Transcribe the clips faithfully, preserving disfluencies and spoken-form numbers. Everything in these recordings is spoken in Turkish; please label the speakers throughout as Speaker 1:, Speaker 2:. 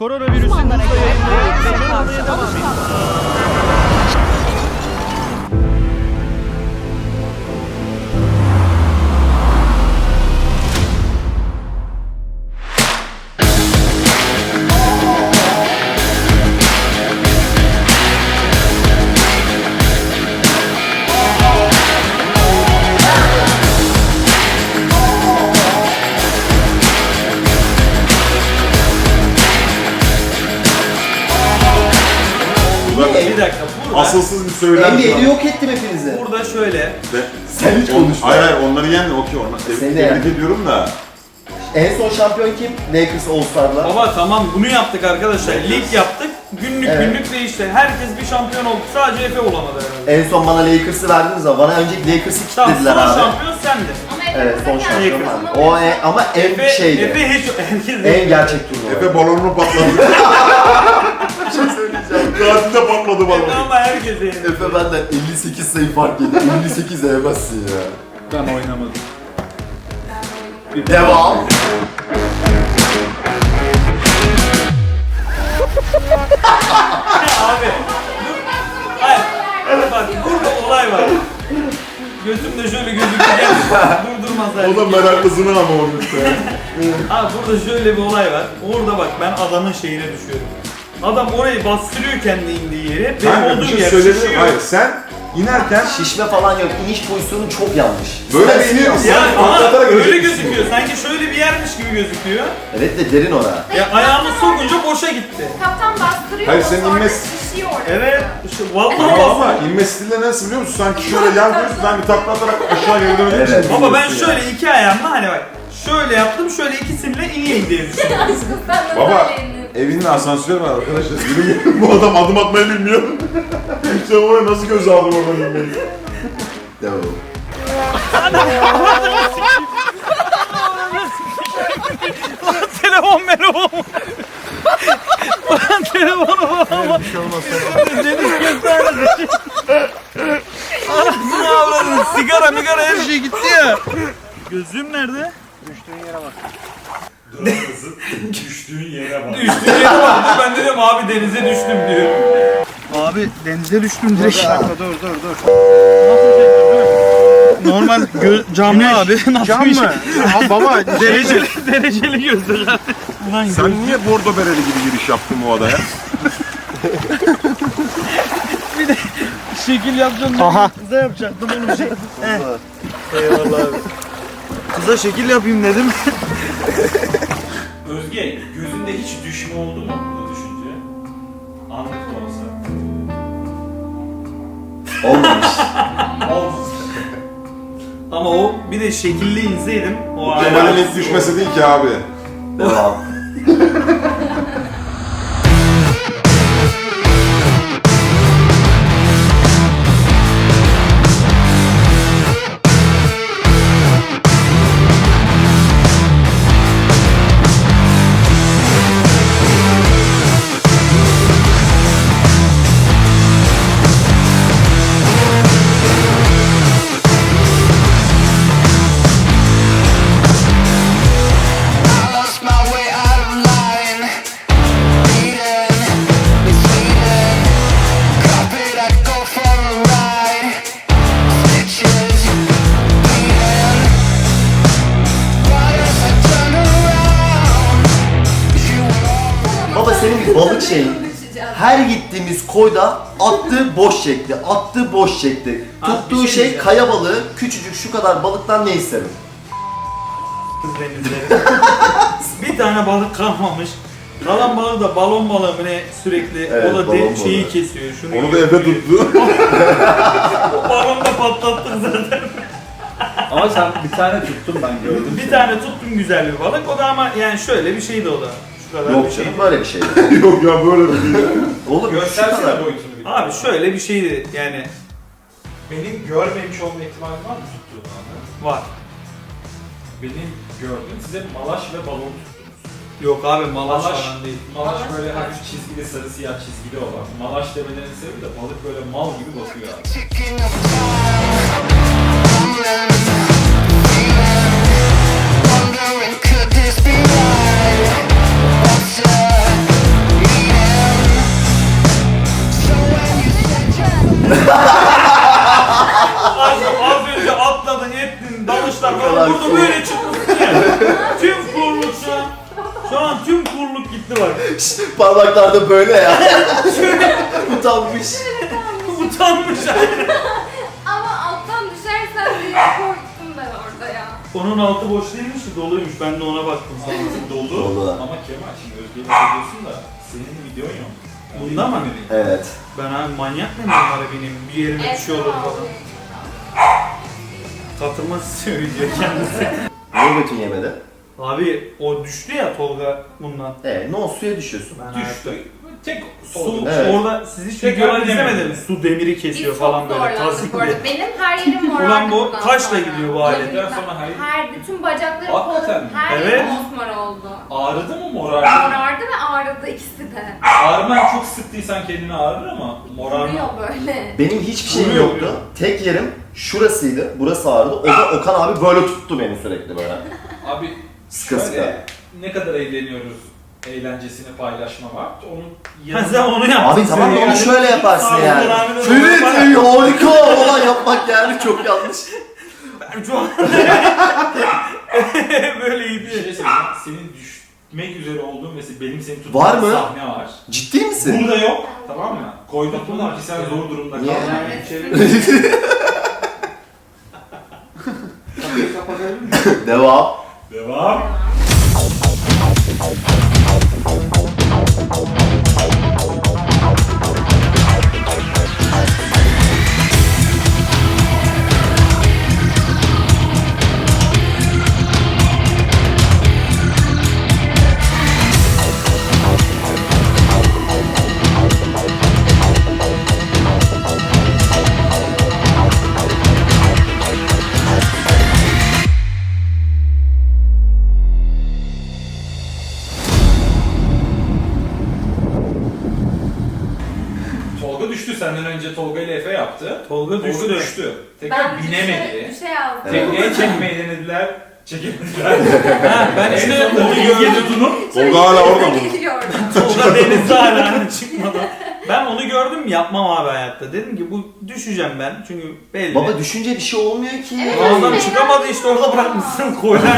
Speaker 1: Koronavirüsün hızla yayılmaya ve can almaya devam ediyor.
Speaker 2: Bir dakika, burada
Speaker 3: Asılsız bir söylem.
Speaker 4: N B A'de yok ettim hepinizi.
Speaker 2: burada şöyle
Speaker 4: Sen hiç
Speaker 3: On-
Speaker 4: konuşma.
Speaker 3: Hayır hayır onları yen okey onlar.
Speaker 4: Seni
Speaker 3: Tebrik,
Speaker 4: de
Speaker 3: tebrik
Speaker 4: yen.
Speaker 3: ediyorum da.
Speaker 4: En son şampiyon kim? Lakers All-Star'la.
Speaker 2: baba tamam bunu yaptık arkadaşlar. Lig yaptık. Günlük
Speaker 4: Evet.
Speaker 2: günlük değişti. Herkes bir şampiyon oldu. Sadece Efe olamadı herhalde.
Speaker 4: En son bana Lakers'ı verdiniz ama bana önceki Lakers'ı
Speaker 2: Tamam,
Speaker 4: kilitlediler
Speaker 2: son
Speaker 4: abi.
Speaker 2: şampiyon sendin.
Speaker 4: Evet son şampiyon
Speaker 2: Lakers.
Speaker 4: var. O en, ama en
Speaker 2: Efe,
Speaker 4: şeydi.
Speaker 2: Efe hiç herkes
Speaker 4: En gerçek turnuva.
Speaker 3: Efe balonunu patladı. Bir şey söyleyeceğim. Tatilde patladı
Speaker 2: Efe
Speaker 3: balon.
Speaker 2: ama herkes yenildi.
Speaker 4: Efe benden elli sekiz sayı fark yedi. elli sekiz yemezsin ya.
Speaker 1: Ben oynamadım.
Speaker 4: Devam.
Speaker 2: Abi. Hayır. Evet bak burada olay var. Gözümde şöyle gözükürken durdurmaz
Speaker 3: O da meraklısını ama olmuş ya.
Speaker 2: Abi burada şöyle bir olay var. Orada bak ben adamın şeyine düşüyorum. Adam orayı bastırıyor kendi indiği yere. Benim
Speaker 3: Kanka bir
Speaker 2: olduğum
Speaker 3: şey
Speaker 2: yer
Speaker 3: söyledim.
Speaker 2: şişiyor.
Speaker 3: Hayır sen inerken
Speaker 4: Şişme falan yok. İniş pozisyonu çok yanlış.
Speaker 3: böyle
Speaker 4: Sen
Speaker 3: bir iniyorsun.
Speaker 2: Ya
Speaker 3: Yani
Speaker 2: ama
Speaker 3: patlatarak
Speaker 2: öyle
Speaker 3: öleceksin.
Speaker 2: gözüküyor. Sanki şöyle bir yermiş gibi gözüküyor.
Speaker 4: Evet de derin ora.
Speaker 2: Ya ayağımı sokunca boşa gitti.
Speaker 5: Kaptan bastırıyor.
Speaker 3: Hayır,
Speaker 5: o
Speaker 3: senin
Speaker 5: sonra
Speaker 3: inmez-
Speaker 5: şişiyor.
Speaker 2: Evet. Şu, vallahi
Speaker 3: Ama,
Speaker 2: bastı.
Speaker 3: ama inme stili nasıl biliyor musun? Sanki şöyle yan koyuyorsun, sanki takla atarak aşağı geri dönüyorsun.
Speaker 4: Evet.
Speaker 2: Baba ben şöyle iki ayağımla hani bak. Şöyle yaptım, şöyle ikisiyle ineyim diye düşündüm.
Speaker 5: Aşkım sen de
Speaker 3: Baba
Speaker 5: söyleyin.
Speaker 3: evinin asansörü var arkadaşlar. Yürü bu adam adım atmayı bilmiyor. Sen oraya nasıl göz aldın oradan inmeyi?
Speaker 4: Devam.
Speaker 1: Telefon telefon. Lan telefonu ama. Bir şey olmaz. Deniz gösterdi. Anasını avradın. Sigara migara her şey gitti ya. Gözlüğüm nerede?
Speaker 3: Düştüğün yere bak.
Speaker 2: Düştüğün yere bak. Ben dedim abi denize düştüm diyor.
Speaker 1: Abi denize düştüm direkt.
Speaker 4: Bir dakika,
Speaker 1: dur dur dur. Normal gö- camlı abi. Nasıl
Speaker 6: Cam
Speaker 1: bir şey?
Speaker 6: mı? Ha, baba
Speaker 1: Dereceli, dereceli gözlük abi. Ulan
Speaker 3: Sen niye bordo bereli gibi giriş yaptın bu odaya?
Speaker 1: şekil yapacağım.
Speaker 6: Aha.
Speaker 1: Kıza yapacaktım oğlum şey. Heh. Eyvallah abi. Kıza şekil yapayım dedim.
Speaker 7: Özge, gözünde hiç düşme oldu mu bu düşünce? Anlık da olsa.
Speaker 4: Olmamış.
Speaker 7: Oldu.
Speaker 2: Ama o bir de şekilli inseydim o
Speaker 3: Kemal'in
Speaker 2: ayağı-
Speaker 3: ilk düşmesi değil ki abi.
Speaker 4: Devam.
Speaker 8: Lost my way out of line. Eden, it's Eden. Carpet, I go for a ride. Stitches, bleeding. But as I turn around, you were all
Speaker 4: Baba senin bir balık şeyin. Her gittiğimiz koyda attığı boş çekti, attığı boş çekti.
Speaker 2: Abi,
Speaker 4: Tuttuğu
Speaker 2: bir şey
Speaker 4: şey
Speaker 2: diyeceğim.
Speaker 4: kaya balığı, küçücük şu kadar balıktan ne isterim?
Speaker 2: denizleri. Bir tane balık kalmamış. Kalan balığı da balon balığı mı ne sürekli
Speaker 4: Evet,
Speaker 2: o da
Speaker 4: balon
Speaker 2: de, şeyi
Speaker 4: balığı.
Speaker 2: kesiyor. Şunu
Speaker 3: Onu da
Speaker 2: yiyor.
Speaker 3: evde tuttu.
Speaker 2: O balonu da patlattık zaten.
Speaker 7: Ama sen bir tane tuttun ben gördüm.
Speaker 2: Bir tane tuttum güzel bir balık. O da ama yani şöyle bir şeydi o da. Şu kadar bir
Speaker 4: Yok
Speaker 2: şeydi.
Speaker 4: canım böyle bir şey.
Speaker 3: Yok ya böyle bir şey.
Speaker 4: Oğlum şu kadar.
Speaker 7: Göstersene boyutunu bir.
Speaker 2: Abi şöyle bir şeydi yani
Speaker 7: Benim görmemiş olma ihtimali var mı tuttuğun anda?
Speaker 2: var.
Speaker 7: Benim gördüğüm size malaş ve balon tuttunuz.
Speaker 2: Yok abi malaş
Speaker 7: Malaş.
Speaker 2: falan değil.
Speaker 7: Malaş böyle hafif çizgili sarı siyah çizgili olan. Malaş demelerinin sebebi de balık böyle mal gibi bakıyor abi.
Speaker 8: ticking of time. Rumbling, feeling, wondering could this be right? What's up?
Speaker 2: bak.
Speaker 4: Parmaklarda böyle ya. Utanmış.
Speaker 2: Utanmış.
Speaker 5: Ama alttan düşersen diye korktum ben orada ya.
Speaker 2: Onun altı boş değilmiş de doluymuş. Ben de ona baktım sana.
Speaker 7: Dolu.
Speaker 4: Dolu.
Speaker 7: Ama Kemal şimdi Özge'yi seviyorsun da senin videon yok. Yani
Speaker 2: Bunda mı?
Speaker 4: Evet.
Speaker 2: Ben abi manyak mıyım bunlara benim? Bir yerime bir şey olur falan. Katılmak istiyor video kendisi.
Speaker 4: Niye götün yemedi?
Speaker 2: Abi o düştü ya Tolga bundan.
Speaker 4: Ee, ne oldu, suya düşüyorsun.
Speaker 2: Ben
Speaker 7: Düştü. Tek
Speaker 2: Su,
Speaker 7: su.
Speaker 4: Evet.
Speaker 2: orada siz hiç
Speaker 7: Tekrar
Speaker 2: videolar
Speaker 7: denemedim.
Speaker 2: izlemediniz. Su demiri
Speaker 5: Biz
Speaker 2: kesiyor
Speaker 5: çok
Speaker 2: falan böyle
Speaker 5: zorlandık
Speaker 2: tazik
Speaker 5: bu arada.
Speaker 2: diye.
Speaker 5: Benim her yerim morardı.
Speaker 2: Ulan bu
Speaker 5: bundan
Speaker 2: kaçla
Speaker 5: sonra.
Speaker 2: gidiyor bu alet?
Speaker 5: Olabilir.
Speaker 7: Sonra hayır.
Speaker 5: Her bütün bacaklarım,
Speaker 7: Hakikaten
Speaker 5: kolum,
Speaker 7: mi?
Speaker 5: her
Speaker 2: Evet.
Speaker 5: yerim mosmor oldu.
Speaker 7: Ağrıdı mı morardı?
Speaker 5: Morardı ve ağrıdı ikisi de.
Speaker 7: Ağrıman çok sıktıysan kendini ağrır ama morarma.
Speaker 5: Vuruyor böyle.
Speaker 4: Benim hiçbir şeyim
Speaker 2: Vuruyor,
Speaker 4: yoktu.
Speaker 2: vuruyor.
Speaker 4: Tek yerim şurasıydı. Burası ağrıdı. O da Okan abi böyle tuttu beni sürekli böyle.
Speaker 7: Abi
Speaker 4: Sıkı
Speaker 7: şöyle
Speaker 4: sıkı.
Speaker 7: ne kadar eğleniyoruz eğlencesini paylaşma var. Onun
Speaker 2: Ha,
Speaker 7: yanında
Speaker 2: sen onu yaptın.
Speaker 4: Abi tamam da
Speaker 2: Sen
Speaker 4: onu şöyle yaparsın
Speaker 2: Abi,
Speaker 4: yani.
Speaker 2: abi de
Speaker 4: Ferit
Speaker 2: normal.
Speaker 4: ey, harika falan yapmak yani çok yanlış.
Speaker 2: Şu an böyle iyi
Speaker 7: bir
Speaker 2: bir
Speaker 7: şey söyleyeyim. Senin düşmek üzere olduğun ve benim seni tuttuğum
Speaker 4: Var mı?
Speaker 7: sahne var.
Speaker 4: Ciddi misin?
Speaker 7: Burada yok. Tamam mı? Koydurttum ki sen zor durumda
Speaker 4: Niye?
Speaker 7: kaldın.
Speaker 4: Devam.
Speaker 7: Devam. Tolga düştü. Senden önce Tolga ile Efe yaptı.
Speaker 2: Tolga
Speaker 7: Tolga
Speaker 2: düştü.
Speaker 7: düştü. Tekrar
Speaker 5: Ben düşe,
Speaker 7: binemedi.
Speaker 5: düşe yazdım.
Speaker 4: Evet.
Speaker 7: Tekneye çekmeyi denediler. Çekemediler.
Speaker 2: Ha, ben işte
Speaker 7: En sonunda
Speaker 2: onu
Speaker 7: İlge
Speaker 2: gördüm.
Speaker 7: tutunup
Speaker 3: Tolga hala orada mı?
Speaker 5: Geliyorum.
Speaker 2: Tolga denizde hala çıkmadı. Ben onu gördüm yapmam abi hayatta. Dedim ki bu düşeceğim ben çünkü belli.
Speaker 4: Baba düşünce bir şey olmuyor ki.
Speaker 5: Evet.
Speaker 2: Adam çıkamadı işte orada bırakmışsın koylar.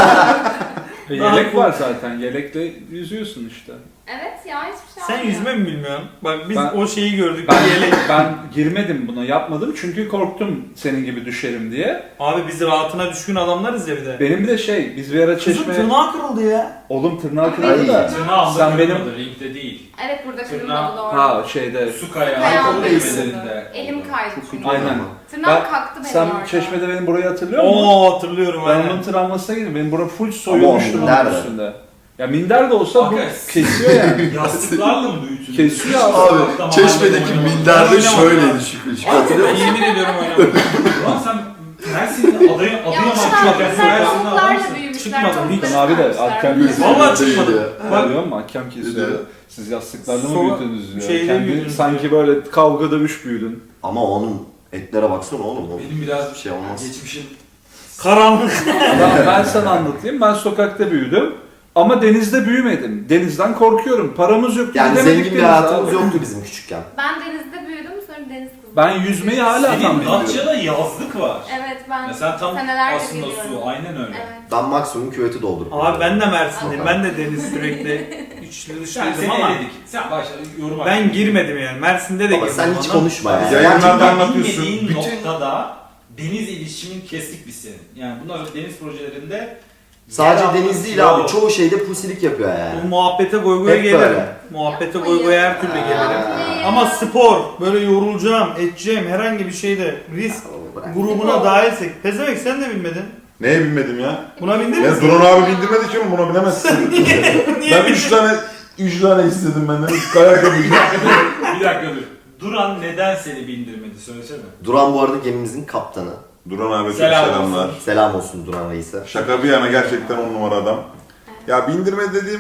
Speaker 6: E,
Speaker 2: Daha
Speaker 6: yelek
Speaker 2: cool.
Speaker 6: var zaten. Yelekle yüzüyorsun işte.
Speaker 5: Evet ya hiçbir şey
Speaker 2: Sen
Speaker 5: olmuyor.
Speaker 2: yüzme mi bilmiyorsun? Bak biz
Speaker 6: Ben-
Speaker 2: o şeyi gördük.
Speaker 6: Ben,
Speaker 2: Yelek.
Speaker 6: ben girmedim buna, yapmadım çünkü korktum senin gibi düşerim diye.
Speaker 2: Abi biz rahatına düşkün adamlarız ya bir de.
Speaker 6: Benim bir de şey, biz bir ara
Speaker 2: Kızın
Speaker 6: çeşme...
Speaker 2: tırnağı kırıldı ya.
Speaker 6: Oğlum tırnağı
Speaker 4: Ay.
Speaker 6: kırıldı da.
Speaker 7: tırnağımda
Speaker 6: Sen benim-
Speaker 7: kırılmadı, ringde değil.
Speaker 5: Evet burada
Speaker 7: Tırnağı-
Speaker 5: kırılmadı doğru.
Speaker 6: Ha şeyde...
Speaker 7: Su kayağı
Speaker 5: Ayağım
Speaker 7: bölgelerinde.
Speaker 5: Elim kaydı çünkü.
Speaker 6: Aynen.
Speaker 5: Tırnağım
Speaker 6: Ben-
Speaker 5: kalktı benim
Speaker 6: Sen
Speaker 5: orada.
Speaker 6: çeşmede benim burayı hatırlıyor musun?
Speaker 2: Oo hatırlıyorum
Speaker 6: Ben
Speaker 2: aynen.
Speaker 6: onun travmasına girdim. Benim bura full soyulmuştu bunun
Speaker 4: nerede?
Speaker 6: üstünde. Ya minder de olsa bu
Speaker 7: Hakikaten.
Speaker 6: kesiyor yani.
Speaker 7: Yastıklarla mı büyütün?
Speaker 6: Kesiyor abi.
Speaker 4: Abi çeşmedeki minderde şöyleydi şükür. Şükür hatırlıyor
Speaker 2: Ben
Speaker 4: musun?
Speaker 2: yemin ediyorum oynamadım.
Speaker 7: Ulan sen Mersin'de adaya
Speaker 5: Ya
Speaker 7: Adıyaman
Speaker 5: işte
Speaker 7: çok
Speaker 5: bunlar
Speaker 7: Mersin'de
Speaker 5: tavuklarla
Speaker 7: adamsın.
Speaker 5: büyümüşler.
Speaker 2: Çıkmadı,
Speaker 5: tavukları
Speaker 6: hiç. Abi de
Speaker 5: sarmışlar.
Speaker 6: hakem kesiyor.
Speaker 2: Vallahi çıkmadı.
Speaker 6: Bak görüyor musun? Hakem kesiyor.
Speaker 4: Diyor.
Speaker 6: Siz yastıklarla mı
Speaker 2: Sonra
Speaker 6: büyüdünüz diyor.
Speaker 2: şeyle
Speaker 6: Kendi
Speaker 2: büyüdünüz
Speaker 6: sanki
Speaker 2: diyor.
Speaker 6: böyle kavga dövüş büyüdün.
Speaker 4: Ama onun etlere baksana oğlum. O
Speaker 7: Benim biraz
Speaker 4: bir şey olmaz.
Speaker 7: geçmişim.
Speaker 2: Karanlık.
Speaker 6: Ben, ben sana anlatayım. Ben sokakta büyüdüm. Ama denizde büyümedim. Denizden korkuyorum. Paramız yok.
Speaker 4: Yani
Speaker 6: gidemedik
Speaker 4: zengin bir
Speaker 6: denize
Speaker 4: hayatımız
Speaker 6: abi.
Speaker 4: yoktu bizim küçükken.
Speaker 5: Ben denizde büyüdüm sonra deniz kızı.
Speaker 6: Ben yüzmeyi hala tam
Speaker 7: Senin
Speaker 6: bilmiyorum.
Speaker 7: Datça'da yazlık var.
Speaker 5: Evet ben
Speaker 7: Ya sen tam
Speaker 5: senelerce
Speaker 7: aslında
Speaker 5: biliyorum.
Speaker 7: su, aynen öyle.
Speaker 5: Evet.
Speaker 4: Ben maksimum küveti doldurup.
Speaker 2: Abi ben de Mersin'deyim. Ben de deniz sürekli içli
Speaker 7: Sen
Speaker 2: dışlıydım
Speaker 7: seni
Speaker 2: ama
Speaker 7: eledik. Sen başla yorum
Speaker 2: ben
Speaker 7: hakkı.
Speaker 2: girmedim yani. Mersin'de de
Speaker 4: Baba
Speaker 2: girmedim.
Speaker 4: sen hiç
Speaker 2: ama-
Speaker 4: konuşma ya.
Speaker 3: Yayınlarda
Speaker 7: Gerçekten
Speaker 3: anlatıyorsun.
Speaker 7: bilmediğin
Speaker 4: Bütün-
Speaker 7: noktada deniz iletişimin kestik biz senin. Yani bunlar deniz projelerinde
Speaker 4: Sadece
Speaker 7: yer
Speaker 4: deniz
Speaker 7: alması
Speaker 4: değil
Speaker 7: yok.
Speaker 4: abi. Çoğu şeyde pusilik yapıyor
Speaker 2: Bu
Speaker 4: yani.
Speaker 2: muhabbete goy goya
Speaker 4: Hep
Speaker 2: gelirim.
Speaker 4: böyle.
Speaker 2: Muhabbete goy goya her türlü gelirim.
Speaker 5: Yapmayın.
Speaker 2: Ama spor, böyle yorulacağım, edeceğim herhangi bir şeyde risk
Speaker 4: Bırak.
Speaker 2: grubuna dahilsek. Pezevenk sen de bilmedin.
Speaker 3: Neye binmedim ya?
Speaker 2: Buna bindin
Speaker 3: Ben
Speaker 2: mi?
Speaker 3: drone abi bindirmedi ki buna binemezsin.
Speaker 2: Niye
Speaker 3: ben
Speaker 2: bindin?
Speaker 3: üç tane üç tane istedim benden. Üç kayak yapacağım.
Speaker 7: Bir dakika dur. Duran neden seni bindirmedi söylesene.
Speaker 4: Duran bu arada gemimizin kaptanı.
Speaker 3: Duran abi çok
Speaker 7: Selam
Speaker 3: selamlar.
Speaker 7: olsun.
Speaker 4: Selam olsun Duran Reis'e.
Speaker 3: Şaka bir yana gerçekten on numara adam. Ya bindirme dediğim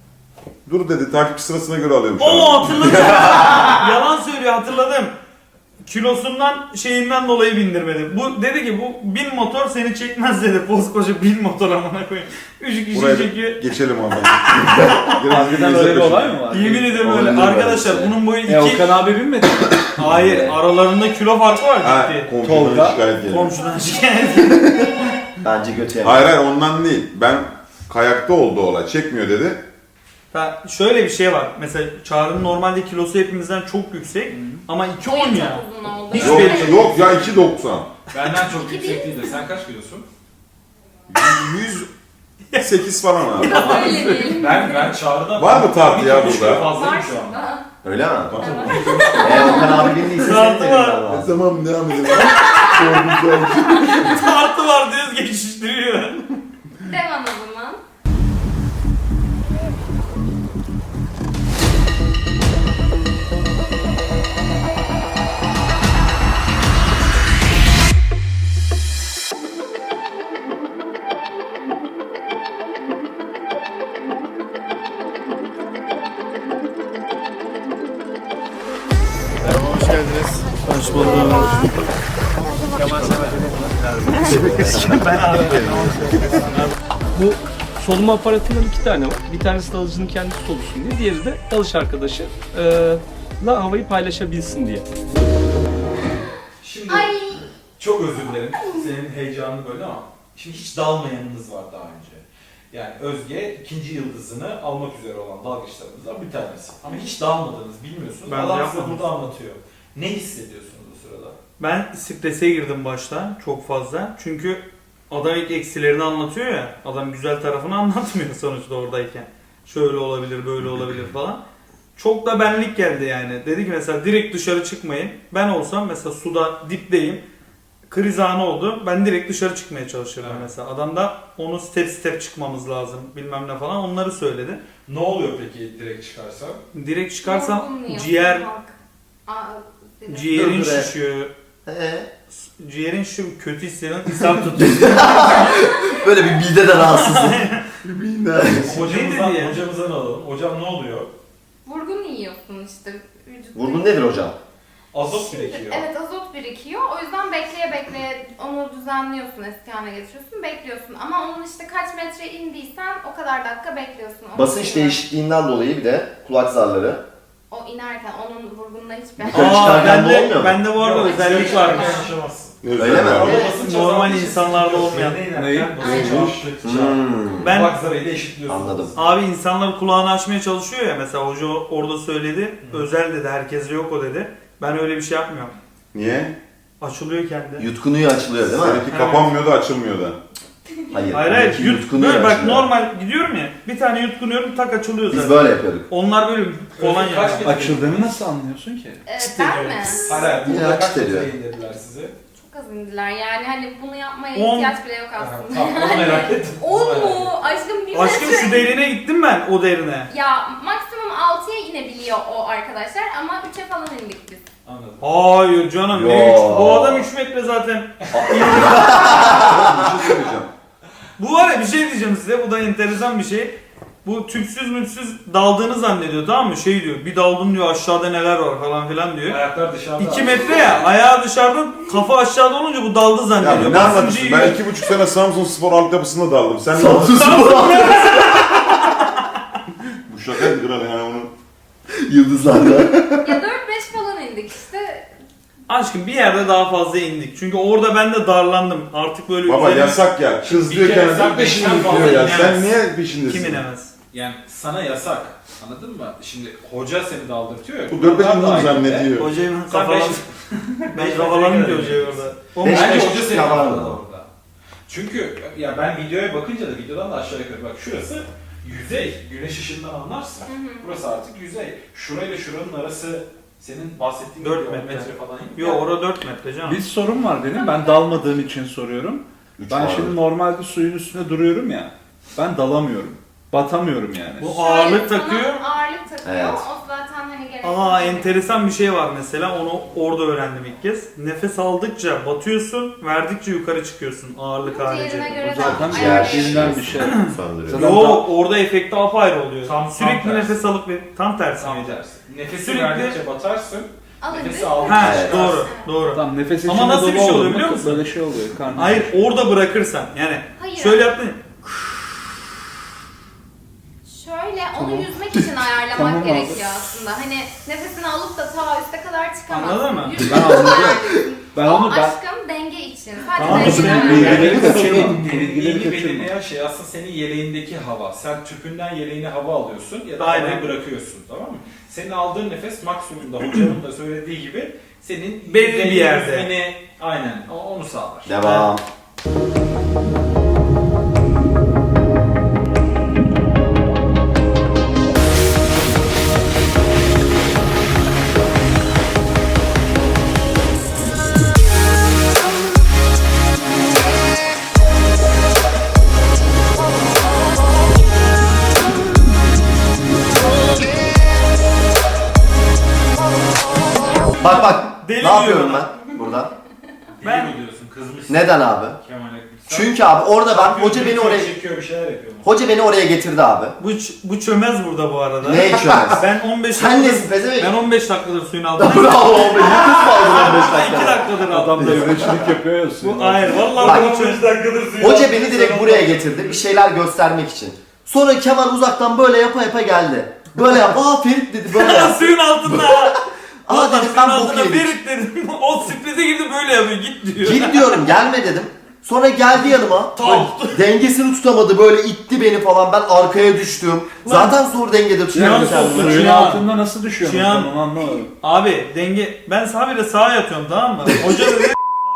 Speaker 3: dur dedi takip sırasına göre alıyorum şu
Speaker 2: Oo
Speaker 3: an.
Speaker 2: hatırladım. Yalan söylüyor hatırladım. Kilosundan şeyinden dolayı bindirmedi. Bu dedi ki bu bin motor seni çekmez dedi. Koskoca bin motor amına koyayım. Üç kişi
Speaker 3: Buraya
Speaker 2: çekiyor.
Speaker 3: geçelim abi. Biraz
Speaker 6: Harbiden öyle bir olay mı var?
Speaker 2: Yemin ediyorum öyle.
Speaker 4: Olabilir
Speaker 2: Arkadaşlar
Speaker 4: böyle.
Speaker 2: bunun boyu
Speaker 6: E
Speaker 2: iki...
Speaker 6: Okan abi bilmedi mi?
Speaker 2: Hayır aralarında kilo farkı var
Speaker 3: Ha,
Speaker 2: ciddi.
Speaker 3: komşudan
Speaker 6: Tolga,
Speaker 3: şikayet geliyor.
Speaker 2: Komşudan şikayet.
Speaker 4: Bence götü
Speaker 3: Hayır hayır ondan değil. Ben kayakta oldu olay. Çekmiyor dedi.
Speaker 2: Ben, şöyle bir şey var. Mesela Çağrı'nın normalde kilosu hepimizden çok yüksek ama iki on
Speaker 5: Boyu
Speaker 2: ya.
Speaker 5: çok uzun oldu.
Speaker 2: Hiç
Speaker 3: Yok,
Speaker 2: belli-
Speaker 3: yok ya iki doksan.
Speaker 7: Benden çok
Speaker 5: İki
Speaker 7: yüksek
Speaker 5: değil
Speaker 7: değildir. Sen kaç kilosun?
Speaker 3: yüz sekiz falan abi.
Speaker 5: Öyle değil.
Speaker 7: Ben ben Çağrı'dan...
Speaker 3: Var mı tartı ya
Speaker 7: on iki
Speaker 3: burada?
Speaker 7: kilo fazlayım
Speaker 5: Var
Speaker 7: şu an.
Speaker 5: şurada.
Speaker 4: Öyle mi?
Speaker 5: Evet.
Speaker 4: Eğer Okan abi bindiyse senin
Speaker 2: Rahatı
Speaker 4: de
Speaker 2: var.
Speaker 4: bilmen lazım.
Speaker 3: Tamam devam edelim. Korkunç.
Speaker 2: Tartı var diyoruz geçiştiriyor.
Speaker 5: Devam o zaman.
Speaker 1: Hoş geldiniz. Hoş bulduk.
Speaker 9: Bu soluma aparatından iki tane var. Bir tanesi dalıcının kendisi solusun diye, diğeri de dalış arkadaşı e, la havayı paylaşabilsin diye.
Speaker 7: Şimdi
Speaker 5: Ay.
Speaker 7: çok özür dilerim. Senin heyecanını böyle ama şimdi hiç dalmayanınız var daha önce. Yani Özge ikinci yıldızını almak üzere olan dalgıçlarımızdan bir tanesi. Ama hiç dalmadınız, bilmiyorsunuz.
Speaker 2: Ben
Speaker 7: Adam size
Speaker 2: yapmadım.
Speaker 7: burada anlatıyor. Ne hissediyorsunuz bu sırada?
Speaker 2: Ben strese girdim başta çok fazla. Çünkü adam ilk eksilerini anlatıyor ya. Adam güzel tarafını anlatmıyor sonuçta oradayken. Şöyle olabilir, böyle olabilir falan. Çok da benlik geldi yani. Dedi ki mesela direkt dışarı çıkmayın. Ben olsam mesela suda dipteyim. Kriz anı oldu. Ben direkt dışarı çıkmaya çalışırdım
Speaker 7: Evet.
Speaker 2: mesela. Adam da onu step step çıkmamız lazım bilmem ne falan onları söyledi.
Speaker 7: Ne oluyor peki direkt çıkarsan?
Speaker 2: Direkt çıkarsam
Speaker 5: Yorgunluyor.
Speaker 2: ciğer,
Speaker 5: Bak. Aa, dedim.
Speaker 2: ciğerin
Speaker 4: Dur, dur,
Speaker 2: şişiyor.
Speaker 4: Ee,
Speaker 2: Ciğerin şu kötü hissediyorum. İshal tutuyor.
Speaker 4: böyle bir mide de rahatsızlık.
Speaker 7: Hocamızdan,
Speaker 2: dedi ya?
Speaker 7: hocamızdan alalım. Hocam ne oluyor?
Speaker 5: Vurgun yiyorsun işte. Vücut-
Speaker 4: Vurgun nedir hocam?
Speaker 7: Azot birikiyor.
Speaker 5: Evet, azot birikiyor. O yüzden bekleye bekleye onu düzenliyorsun, eski haline getiriyorsun, bekliyorsun. Ama onun işte kaç metre indiysen o kadar dakika bekliyorsun. Onu
Speaker 4: Basınç
Speaker 5: biliyorum.
Speaker 4: değişikliğinden dolayı bir de kulak zarları.
Speaker 5: O inerken onun vurgununa hiçbir...
Speaker 4: Yukarı
Speaker 2: Aa,
Speaker 4: çıkarken de
Speaker 2: bende,
Speaker 4: olmuyor mu?
Speaker 2: bende bu arada
Speaker 7: Yok,
Speaker 2: özellik
Speaker 7: hiç
Speaker 2: varmış.
Speaker 7: yaşamazsın.
Speaker 4: Öyle mi?
Speaker 7: Ama
Speaker 4: Evet.
Speaker 7: basınç
Speaker 2: Normal
Speaker 7: azaldığı için
Speaker 2: insanlarda
Speaker 7: sıkıyorsun.
Speaker 2: olmayan.
Speaker 7: Yerine inerken
Speaker 6: Neyi?
Speaker 7: basınç
Speaker 4: Neymiş?
Speaker 7: arttıkça
Speaker 4: Hmm.
Speaker 2: Ben
Speaker 7: kulak zarıyla eşitliyorsunuz.
Speaker 4: Anladım.
Speaker 2: abi insanlar kulağını açmaya çalışıyor ya mesela hoca orada söyledi. Özel dedi, herkeste yok o dedi. Ben öyle bir şey yapmıyorum.
Speaker 3: Niye?
Speaker 2: Açılıyor kendi.
Speaker 4: Yutkunuyor, açılıyor değil mi?
Speaker 3: Seninki kapanmıyor da açılmıyor da.
Speaker 4: Hayır.
Speaker 2: Hayır hayır.
Speaker 4: benimki
Speaker 2: Yut,
Speaker 4: yutkunuyor,
Speaker 2: böyle bak
Speaker 4: açılıyor.
Speaker 2: normal gidiyorum ya. Bir tane yutkunuyorum tak açılıyor
Speaker 4: Biz
Speaker 2: zaten.
Speaker 4: böyle yapıyorduk.
Speaker 2: Onlar böyle falan
Speaker 7: Özür kaç
Speaker 2: yani.
Speaker 7: metre
Speaker 6: Açıldığını nasıl anlıyorsun ki?
Speaker 5: Evet, ben mi?
Speaker 7: Hayır hayır.
Speaker 4: Yine
Speaker 7: Burada kaç
Speaker 4: açık ediyor.
Speaker 7: metre indirdiler sizi?
Speaker 5: Çok az indiler yani hani bunu yapmaya
Speaker 2: On.
Speaker 5: ihtiyaç bile yok
Speaker 7: Aha,
Speaker 5: aslında.
Speaker 7: Tamam onu merak ettim.
Speaker 5: On
Speaker 7: Onu merak ettim.
Speaker 5: mu? Aşkım bir
Speaker 2: Aşkım
Speaker 5: metre.
Speaker 2: şu derine gittim ben o derine.
Speaker 5: Ya maksimum altıya inebiliyor o arkadaşlar ama üçe falan indik biz.
Speaker 7: Anladım.
Speaker 2: Hayır canım ne
Speaker 4: Ya.
Speaker 2: üç? Bu adam üç metre zaten.
Speaker 3: Bir şey söyleyeceğim.
Speaker 2: Bu var ya bir şey diyeceğim size. Bu da enteresan bir şey. Bu tüpsüz müpsüz daldığını zannediyor tamam mı? Şey diyor bir daldım diyor aşağıda neler var falan filan diyor.
Speaker 7: Ayaklar dışarıda.
Speaker 2: iki metre ya ayağı dışarıda kafa aşağıda olunca bu daldı
Speaker 3: Ya
Speaker 2: zannediyor.
Speaker 3: ne
Speaker 2: Basıncı
Speaker 3: anlatıyorsun?
Speaker 2: yiyor.
Speaker 3: Ben iki buçuk sene Samsun Spor altyapısında daldım. Sen ne
Speaker 4: Samsun Spor
Speaker 3: Bu şakaydı kral yani onu.
Speaker 4: yıldızlarda.
Speaker 5: Ya dört beş falan indik işte.
Speaker 2: Aşkım bir yerde daha fazla indik. Çünkü orada ben de darlandım. Artık böyle
Speaker 3: Baba
Speaker 2: üzerine-
Speaker 3: yasak ya. Kız
Speaker 7: Bir
Speaker 3: diyor
Speaker 7: kere
Speaker 3: kendisi
Speaker 7: sen
Speaker 3: peşinde
Speaker 7: beşten
Speaker 3: diyor ya.
Speaker 7: fazla
Speaker 3: Sen
Speaker 7: inemezsin.
Speaker 3: niye peşindesin?
Speaker 2: Kim inemez?
Speaker 7: Yani sana yasak. Anladın mı? Şimdi hoca seni daldırtıyor ya.
Speaker 3: Bu dört beş
Speaker 7: kurallar da
Speaker 3: bunu
Speaker 7: aynı.
Speaker 3: zannediyor.
Speaker 2: Hocayı ben
Speaker 7: Sen
Speaker 2: kafalan...
Speaker 7: beş-
Speaker 2: ben kafalandım diyor hocayı orada. O
Speaker 4: Beş-
Speaker 7: Bence
Speaker 4: beş
Speaker 7: hoca seni
Speaker 4: yalan
Speaker 7: kafaladı
Speaker 4: adam.
Speaker 7: orada. Çünkü ya ben videoya bakınca da videodan da aşağı yukarı bak şurası yüzey. Güneş ışığından anlarsın.
Speaker 5: Hı hı.
Speaker 7: Burası artık yüzey. Şurayla şuranın arası senin bahsettiğin
Speaker 2: Dört
Speaker 7: gibi on
Speaker 2: metre.
Speaker 7: metre falan.
Speaker 2: Yo orada dört metre canım.
Speaker 6: Bir sorun var benim. Ben dalmadığım için soruyorum.
Speaker 3: Üç
Speaker 6: Ben
Speaker 3: var.
Speaker 6: şimdi normalde suyun üstünde duruyorum ya. Ben dalamıyorum. Batamıyorum yani.
Speaker 2: Bu
Speaker 5: Şöyle
Speaker 2: ağırlık
Speaker 5: sana
Speaker 2: takıyor.
Speaker 5: Ağırlık takıyor.
Speaker 4: Evet.
Speaker 5: O zaten hani gerek.
Speaker 2: Aa enteresan bir şey var mesela onu orada öğrendim ilk kez. Nefes aldıkça batıyorsun, verdikçe yukarı çıkıyorsun ağırlık harici.
Speaker 5: Diğerine göre de
Speaker 6: Zaten
Speaker 5: ayarlayabiliyorsun.
Speaker 6: ciğerlerinden bir şey.
Speaker 4: Söndürüyor.
Speaker 6: Zaten
Speaker 2: Yo
Speaker 6: da-
Speaker 2: orada efekti apayrı oluyor.
Speaker 7: Tam- tam
Speaker 2: Sürekli
Speaker 7: tersi.
Speaker 2: nefes alıp ve tam tersi
Speaker 7: Tam
Speaker 2: miydi?
Speaker 7: tersi. Nefesi
Speaker 2: Sürekli-
Speaker 7: verdikçe batarsın.
Speaker 5: Alın
Speaker 7: Nefesi
Speaker 5: bir-
Speaker 7: aldın.
Speaker 2: Ha
Speaker 7: Evet.
Speaker 2: doğru doğru.
Speaker 6: Tamam nefes içinde
Speaker 2: Ama nasıl
Speaker 6: dolu
Speaker 2: bir şey oluyor
Speaker 6: oldu mu
Speaker 2: biliyor musun?
Speaker 6: Böyle şey oluyor. Karnım.
Speaker 2: Hayır orada bırakırsan yani
Speaker 5: Hayır.
Speaker 2: şöyle yaptın ya,
Speaker 5: Şöyle onu
Speaker 6: Tamam.
Speaker 5: yüzmek için ayarlamak
Speaker 6: Tamam abi.
Speaker 5: gerekiyor aslında. Hani nefesini alıp da ta üste kadar çıkamazsın.
Speaker 2: Anladın mı?
Speaker 5: Yüzmek
Speaker 6: Ben
Speaker 5: için
Speaker 6: anladım.
Speaker 5: ayarlıyorsun.
Speaker 6: Ben
Speaker 5: o
Speaker 6: onu ben
Speaker 5: aşkım denge için. için. Sadece
Speaker 2: Tamam,
Speaker 5: zevkten
Speaker 6: işte,
Speaker 5: öyle.
Speaker 6: bilgileri
Speaker 7: Yani
Speaker 6: kaçırma.
Speaker 7: senin
Speaker 6: Bilgileri
Speaker 7: dengeni
Speaker 6: kaçırma.
Speaker 7: belirleyen şey aslında senin yeleğindeki hava. Sen tüpünden yeleğine hava alıyorsun ya da
Speaker 2: Aynen.
Speaker 7: havayı bırakıyorsun, tamam mı? Senin aldığın nefes maksimumda hocanın da söylediği gibi senin
Speaker 2: Belli bir
Speaker 7: dengeni
Speaker 2: yerde.
Speaker 7: yüzmeni- aynen o- onu sağlar.
Speaker 4: Devam. Bak bak.
Speaker 2: Deli
Speaker 4: ne yapıyorum
Speaker 2: diyor.
Speaker 4: ben burada?
Speaker 2: Ben-
Speaker 7: Ben mi diyorsun kızmışsın?
Speaker 4: Neden abi?
Speaker 7: Kemal'e.
Speaker 4: Çünkü abi orada ben hoca beni oraya
Speaker 7: çekiyor, bir şeyler yapıyor.
Speaker 4: hoca beni oraya getirdi abi.
Speaker 2: Bu, ç- bu çömez burada bu arada.
Speaker 4: Ne içiyorsunuz?
Speaker 2: Ben on beş
Speaker 4: Sen nesin pezevenk?
Speaker 2: Ben on beş dakikadır suyun altındayım.
Speaker 4: Bravo be. Yakıt mı aldın on beş
Speaker 2: iki
Speaker 4: dakikada?
Speaker 2: dakikadır
Speaker 6: Adam
Speaker 2: altındayım.
Speaker 6: devletçilik yapıyor ya suyun
Speaker 2: Bu hayır vallahi
Speaker 4: Bak.
Speaker 2: on beş dakikadır suyun
Speaker 4: Hoca
Speaker 2: altındayım.
Speaker 4: beni direkt buraya getirdi bir şeyler göstermek için. Sonra Kemal uzaktan böyle yapa yapa geldi. Böyle yap. Aa Ferit dedi böyle yap.
Speaker 2: Suyun altında.
Speaker 4: Aa
Speaker 2: Vallahi
Speaker 4: dedim
Speaker 2: suyun
Speaker 4: ben bok
Speaker 2: altında
Speaker 4: yedik.
Speaker 2: Ferit dedim. O sürprize girdi böyle yapıyor git diyor.
Speaker 4: Git diyorum gelme dedim. Sonra geldi yanıma.
Speaker 2: Tamam.
Speaker 4: Böyle dengesini tutamadı böyle itti beni falan. Ben arkaya düştüm. Zaten zor dengede tutuyorum
Speaker 2: Cihan
Speaker 4: kendimi.
Speaker 2: soktu.
Speaker 6: Suyun
Speaker 2: Cihan.
Speaker 6: altında nasıl düşüyorsun?
Speaker 2: Cihan.
Speaker 6: Ben onu anlamadım.
Speaker 2: Abi denge ben sabire sağa yatıyorum tamam mı? Hoca dedi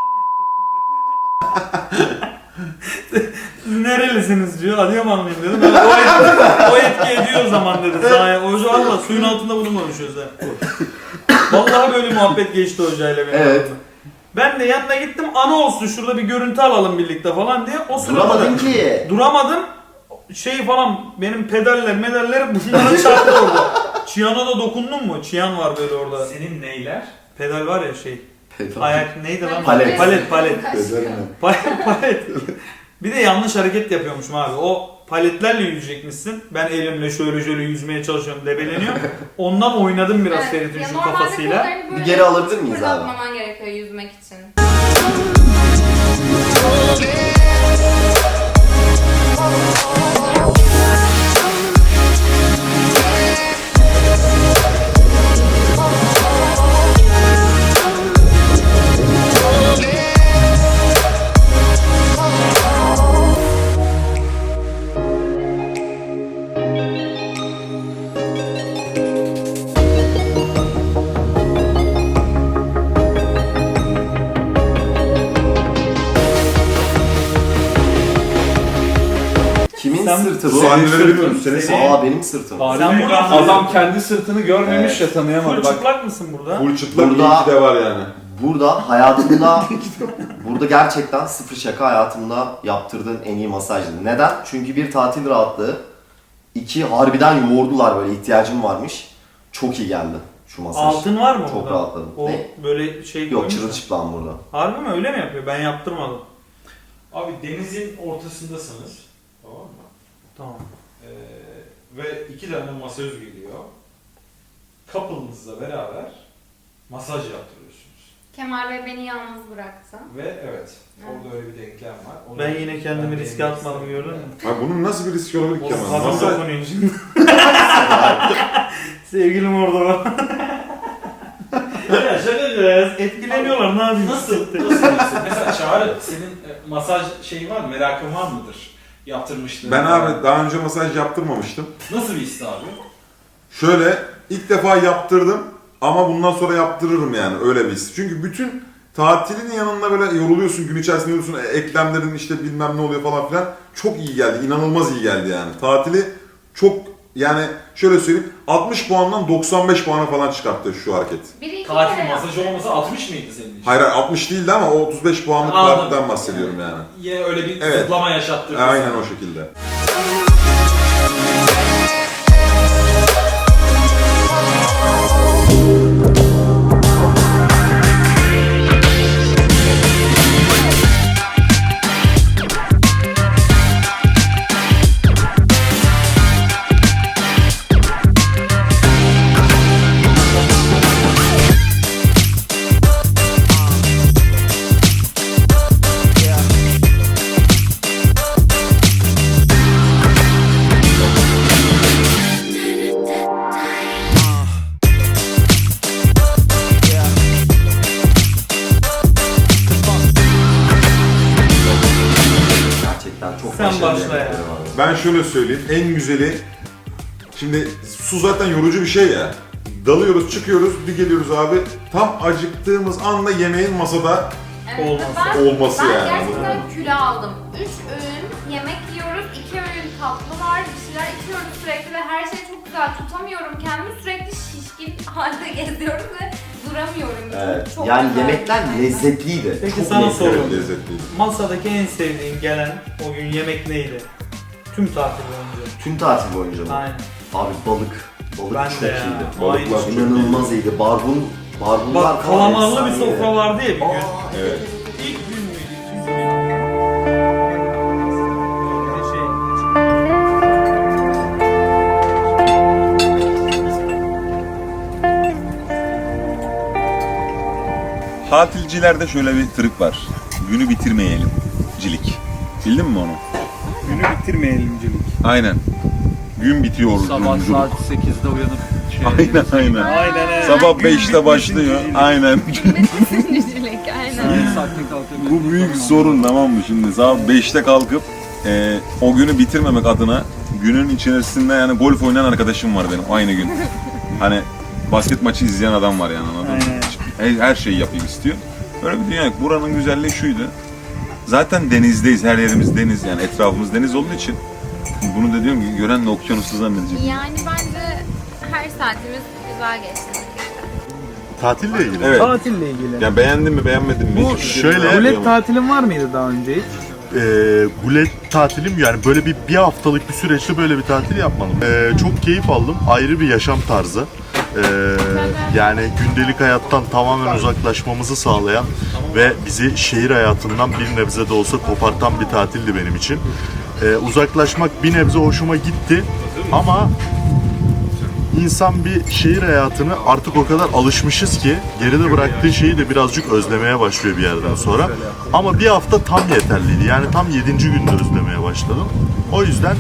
Speaker 2: Siz nerelisiniz diyor. Adıyamanlıyım dedim. Ben, o, etki, o etki ediyor o zaman dedi. Sağa. Hoca valla suyun altında bulunmamış Özel. Vallahi böyle muhabbet geçti hocayla benim.
Speaker 4: Evet.
Speaker 2: aramda. Ben de yanına gittim ana olsun şurada bir görüntü alalım birlikte falan diye. O sırada
Speaker 4: Duramadın
Speaker 2: da-
Speaker 4: ki.
Speaker 2: Duramadım. Şey falan benim pedaller medaller bunlara çarptı orada. Çiyan'a da dokundun mu? Çiyan var böyle orada.
Speaker 7: Senin neyler?
Speaker 2: Pedal var ya şey. Ayak neydi lan?
Speaker 4: Palet.
Speaker 2: Palet palet.
Speaker 4: Gözlerim.
Speaker 2: Palet palet. Bir de yanlış hareket yapıyormuşum abi. O paletlerle yüzecekmişsin. Ben elimle şöyle şöyle yüzmeye çalışıyorum, debeleniyor. Ondan oynadım biraz Ferit'in
Speaker 5: ya
Speaker 2: şu
Speaker 5: normalde
Speaker 2: kafasıyla.
Speaker 5: kollarını böyle
Speaker 4: Bir geri alabilir miyiz abi?
Speaker 5: fırlatmaman gerekiyor yüzmek için.
Speaker 4: Kimin
Speaker 2: Sen-
Speaker 4: sırtı bu?
Speaker 3: Sahneleri bilmiyorum. Senin
Speaker 2: Seni-
Speaker 4: Aa benim sırtım.
Speaker 2: Sen burada
Speaker 6: Adam kendi sırtını görmemiş ya tanıyamadı.
Speaker 2: full
Speaker 6: Bak
Speaker 2: çıplak mısın burada?
Speaker 3: full çıplak
Speaker 4: Burada-
Speaker 3: iyi ki de var yani.
Speaker 4: Burada hayatımda, burada gerçekten sıfır şaka hayatımda yaptırdığın en iyi masajdı. Neden? Çünkü bir tatil rahatlığı, iki harbiden yoğurdular böyle ihtiyacım varmış. Çok iyi geldi şu masaj.
Speaker 2: Altın var mı
Speaker 4: Çok
Speaker 2: burada?
Speaker 4: rahatladım.
Speaker 2: O
Speaker 4: Ne?
Speaker 2: böyle şey
Speaker 4: Yok
Speaker 2: koymuş mu?
Speaker 4: çırılçıplam burada.
Speaker 2: Harbi mi öyle mi yapıyor? Ben yaptırmadım.
Speaker 7: Abi denizin ortasındasınız. Tamam mı?
Speaker 2: Tamam.
Speaker 7: Ee, ve iki tane masöz geliyor. Couple'ınızla beraber masaj yaptırıyorsunuz.
Speaker 5: Kemal Bey beni yalnız bıraktı.
Speaker 7: Ve evet, orada öyle bir denklem var. Onu
Speaker 2: Ben yine kendimi
Speaker 7: ben
Speaker 2: riske
Speaker 7: değinmek
Speaker 2: atmadım
Speaker 7: istedim.
Speaker 2: gördün mü?
Speaker 3: Abi bunun nasıl bir riski olabilir ki
Speaker 2: Oğlum
Speaker 3: Kemal?
Speaker 2: kadın
Speaker 3: Masaj...
Speaker 2: dokunuyor şimdi. Sevgilim orada var. Ya şaka yapıyoruz. Etkileniyorlar ne yapayım?
Speaker 7: Nasıl? Nasıl diyorsun? Mesela Çağrı, senin e, masaj şeyin var mı? Merakın var mıdır? Yaptırmıştın.
Speaker 3: Ben abi daha önce masaj yaptırmamıştım.
Speaker 7: Nasıl bir histi abi?
Speaker 3: Şöyle ilk defa yaptırdım ama bundan sonra yaptırırım yani öyle bir his. Çünkü bütün tatilin yanında böyle yoruluyorsun, gün içerisinde yoruluyorsun, e, eklemlerin işte bilmem ne oluyor falan filan. Çok iyi geldi, inanılmaz iyi geldi yani. Tatili çok yani şöyle söyleyeyim altmış puandan doksan beş puana falan çıkarttı şu hareket.
Speaker 5: Biri iki
Speaker 7: Tatil
Speaker 5: kere
Speaker 7: masajı olmasa altmış mıydı senin için?
Speaker 3: Hayır hayır, altmış değildi ama o otuz beş puanlık
Speaker 7: Anladım.
Speaker 3: tatilden bahsediyorum yani.
Speaker 7: Yine öyle bir
Speaker 3: Evet.
Speaker 7: zıplama yaşattırdı.
Speaker 3: Aynen
Speaker 7: sana.
Speaker 3: o şekilde. Ben şöyle söyleyeyim, en güzeli, şimdi su zaten yorucu bir şey ya. Dalıyoruz, çıkıyoruz, bir geliyoruz abi, tam acıktığımız anda yemeğin masada
Speaker 5: Evet,
Speaker 2: Olması.
Speaker 5: ben,
Speaker 3: olması
Speaker 5: ben
Speaker 3: yani.
Speaker 5: gerçekten kilo aldım. Üç öğün yemek yiyoruz, iki öğün tatlı var, bir şeyler içiyoruz sürekli ve her şey çok güzel. Tutamıyorum kendimi, sürekli şişkin halde geziyorum ve duramıyorum.
Speaker 4: Evet.
Speaker 5: Çok
Speaker 4: Yani
Speaker 5: güzel.
Speaker 4: yemekler lezzetliydi.
Speaker 2: Peki
Speaker 4: Çok
Speaker 2: sana
Speaker 4: lezzetli.
Speaker 2: soruyorum.
Speaker 3: lezzetliydi.
Speaker 2: Masadaki en sevdiğin gelen o gün yemek neydi? Tüm tatil boyunca.
Speaker 4: Tüm tatil boyunca mı?
Speaker 2: Aynen.
Speaker 4: Abi balık. Balık
Speaker 2: Ben
Speaker 4: çok
Speaker 2: de ya.
Speaker 4: iyiydi.
Speaker 3: Balıklar
Speaker 2: Aynı.
Speaker 3: çok
Speaker 4: İnanılmaz iyiydi. Barbun, barbunlar
Speaker 2: Bak
Speaker 4: falan
Speaker 2: kalamarlı bir
Speaker 4: efsaneydi.
Speaker 2: sofra vardı ya bir gün.
Speaker 4: Aa,
Speaker 3: Evet.
Speaker 2: İlk gün müydü? İkinci gün müydü? Şey,
Speaker 3: Tatilcilerde şöyle bir trik var. Günü bitirmeyelim. Cilik. Bildin mi onu?
Speaker 6: Günü bitirmeyelimcilik.
Speaker 3: Aynen. Gün bitiyor.
Speaker 6: Sabah
Speaker 3: yolculuk.
Speaker 6: saat sekizde uyanıp şey.
Speaker 3: Aynen aynen.
Speaker 6: Aynen evet.
Speaker 3: Sabah beşte başlıyor. Aynen.
Speaker 5: Sinircilik, aynen.
Speaker 6: Saatte kalkamıyorum.
Speaker 3: Bu büyük sorun, tamam mı şimdi? Sabah beşte kalkıp e, o günü bitirmemek adına günün içerisinde yani golf oynayan arkadaşım var benim aynı gün. Hani basket maçı izleyen adam var yani, anladın mı? Her, her şeyi yapayım istiyor. Böyle bir dünya yok. Buranın güzelliği şuydu. Zaten denizdeyiz. Her yerimiz deniz, yani etrafımız deniz olduğu için bunu da diyorum ki gören de okyanusu zannedecek.
Speaker 5: Yani bence her saatimiz güzel geçti.
Speaker 10: Tatille ilgili.
Speaker 3: Evet.
Speaker 1: Tatille ilgili.
Speaker 3: Yani beğendin mi beğenmedin mi?
Speaker 10: Bu
Speaker 3: Hiç
Speaker 10: şöyle-
Speaker 3: bilmiyorum.
Speaker 1: Gulet tatilin var mıydı daha önce hiç?
Speaker 10: Ee, gulet tatilim yani böyle bir bir haftalık bir süreçte böyle bir tatil yapmadım. Ee, çok keyif aldım. Ayrı bir yaşam tarzı. Ee, yani gündelik hayattan tamamen uzaklaşmamızı sağlayan ve bizi şehir hayatından bir nebze de olsa kopartan bir tatildi benim için. Ee, uzaklaşmak bir nebze hoşuma gitti ama İnsan bir şehir hayatını artık o kadar alışmışız ki geride bıraktığı şeyi de birazcık özlemeye başlıyor bir yerden sonra. Ama bir hafta tam yeterliydi. Yani tam yedinci günde özlemeye başladım. O yüzden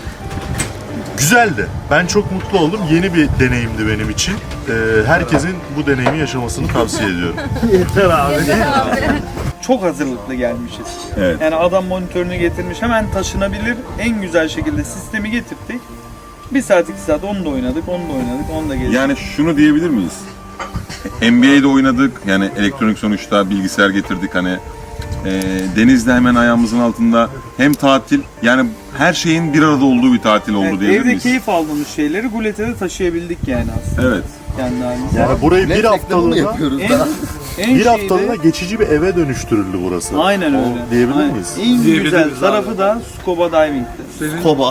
Speaker 10: güzeldi. Ben çok mutlu oldum. Yeni bir deneyimdi benim için. Ee, herkesin bu deneyimi yaşamasını tavsiye ediyorum.
Speaker 1: Yeter abi.
Speaker 6: Çok hazırlıklı gelmişiz.
Speaker 3: Evet.
Speaker 6: Yani adam monitörünü getirmiş, hemen taşınabilir en güzel şekilde sistemi getirdik. Bir saat iki saat onu da oynadık, onu da oynadık, onu da gezdik.
Speaker 3: Yani şunu diyebilir miyiz? N B A'de oynadık. Yani elektronik sonuçta bilgisayar getirdik hani. E, denizde hemen ayağımızın altında. Hem tatil, yani her şeyin bir arada olduğu bir tatil oldu
Speaker 6: Evet,
Speaker 3: diyebilir
Speaker 6: evde
Speaker 3: miyiz?
Speaker 6: keyif aldığımız şeyleri Gulet'e de taşıyabildik yani aslında.
Speaker 3: Evet.
Speaker 6: Kendi halimize.
Speaker 10: Yani burayı bir haftalığına
Speaker 4: yapıyoruz
Speaker 6: En,
Speaker 4: da.
Speaker 6: en
Speaker 10: bir
Speaker 6: şeyi
Speaker 10: haftalığına
Speaker 6: de-
Speaker 10: geçici bir eve dönüştürüldü burası.
Speaker 6: Aynen
Speaker 10: O-
Speaker 6: öyle.
Speaker 10: Diyebilir
Speaker 6: Aynen.
Speaker 10: miyiz?
Speaker 6: En güzel
Speaker 1: Diyebiliriz
Speaker 6: tarafı
Speaker 1: abi.
Speaker 6: da scuba diving'ti.
Speaker 4: Koba.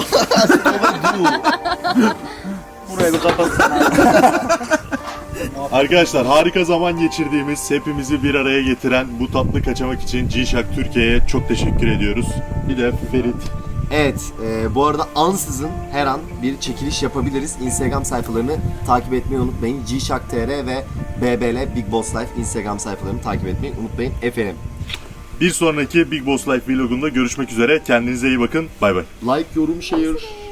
Speaker 6: Burayı bir kapatsın.
Speaker 10: Arkadaşlar harika zaman geçirdiğimiz, hepimizi bir araya getiren bu tatlı kaçamak için G-Shock Türkiye'ye çok teşekkür ediyoruz. Bir de Ferit.
Speaker 4: Evet, e, bu arada ansızın her an bir çekiliş yapabiliriz. Instagram sayfalarını takip etmeyi unutmayın. G-Shock T R ve B B L Big Boss Life Instagram sayfalarını takip etmeyi unutmayın efendim.
Speaker 10: Bir sonraki Big Boss Life vlogunda görüşmek üzere. Kendinize iyi bakın. Bay bay.
Speaker 4: Like, yorum, share.